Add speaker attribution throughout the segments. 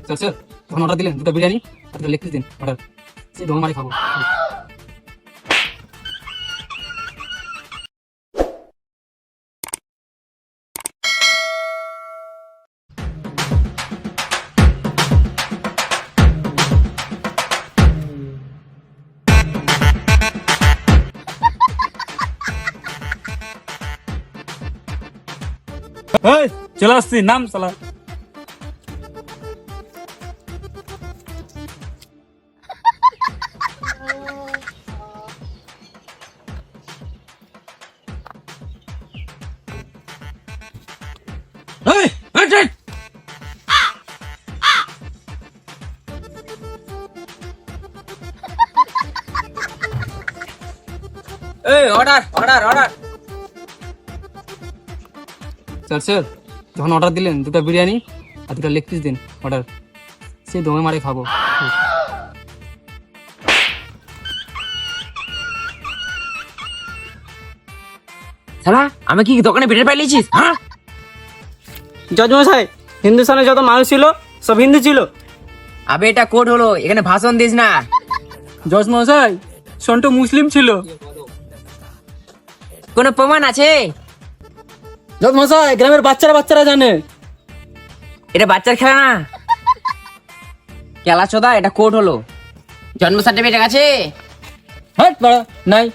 Speaker 1: Sir sir তখন order দিলেন দুটো বিরিয়ানি আর দুটো লেগ পিস দিন অর্ডার, সেই দমে মারি খাবো।
Speaker 2: এই চলে আসছি, নাম সালা। এই, এই, এই।
Speaker 3: এই order order order.
Speaker 1: Sir sir যখন অর্ডার দিলেন দুটো বিরিয়ানি আর দুটো লেগ পিস দিন অর্ডার, সেই দমে মারি খাবো।
Speaker 3: শালা আমি কি দোকানে বেটে পাইলেছিস? হ্যাঁ
Speaker 4: জজমশাই, হিন্দুস্তানে যত মানুষ ছিল সব হিন্দু ছিল।
Speaker 3: আবে এটা কোড হলো, এখানে ভাষণ দিস না।
Speaker 1: জজ মশাই সন্টু মুসলিম ছিল।
Speaker 3: কোনো প্রমাণ আছে?
Speaker 4: জজ মশাই, গ্রামের বাচ্চারা জানে।
Speaker 3: এটা বাচ্চার খেলা না, খেলা চোদা। এটা কোড হলো। জন্ম সার্টিফিকেট আছে?
Speaker 4: হট বড় নাই।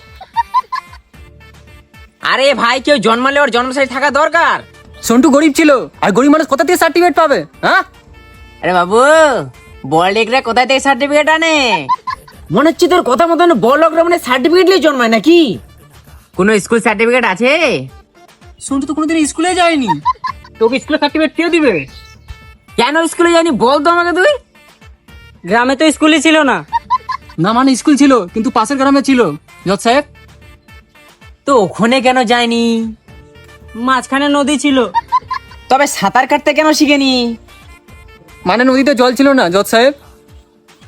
Speaker 3: আরে ভাই, কেউ জন্মালে ওর জন্ম সার্টিফিকেট থাকা দরকার।
Speaker 4: সন্টু গরিব ছিল, আর গরিব মানুষ কোথা থেকে সার্টিফিকেট পাবে? হ্যাঁ,
Speaker 3: আরে বাবু, বড়লোকরা কোথায় থেকে সার্টিফিকেট আনে? মনে হচ্ছে তোর কথা মতন বড়লোকরা মানে সার্টিফিকেট নিয়ে জন্মায় নাকি? কোনো স্কুল সার্টিফিকেট আছে?
Speaker 1: সন্টু তো কোনোদিন স্কুলে যায়নি, তোকে স্কুলে সার্টিফিকেট কে দিবে?
Speaker 3: কেন স্কুলে যায়নি বল তো আমাকে তুই।
Speaker 4: গ্রামে তো স্কুলই ছিল না।
Speaker 1: না মানে স্কুল ছিল কিন্তু পাশের গ্রামে ছিল জজ সাহেব।
Speaker 3: তো ওখানে কেন যায়নি?
Speaker 4: মাঝখানে নদী ছিল।
Speaker 3: তবে সাঁতার কাটতে কেন শিখেনি?
Speaker 1: মানে নদীতে জল ছিল না জজ সাহেব।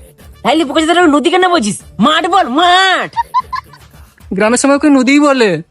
Speaker 3: তাইলে পোকা নদী কেন বলছিস? মাঠ বল, মাঠ।
Speaker 1: গ্রামের সময় ওকে নদীই বলে।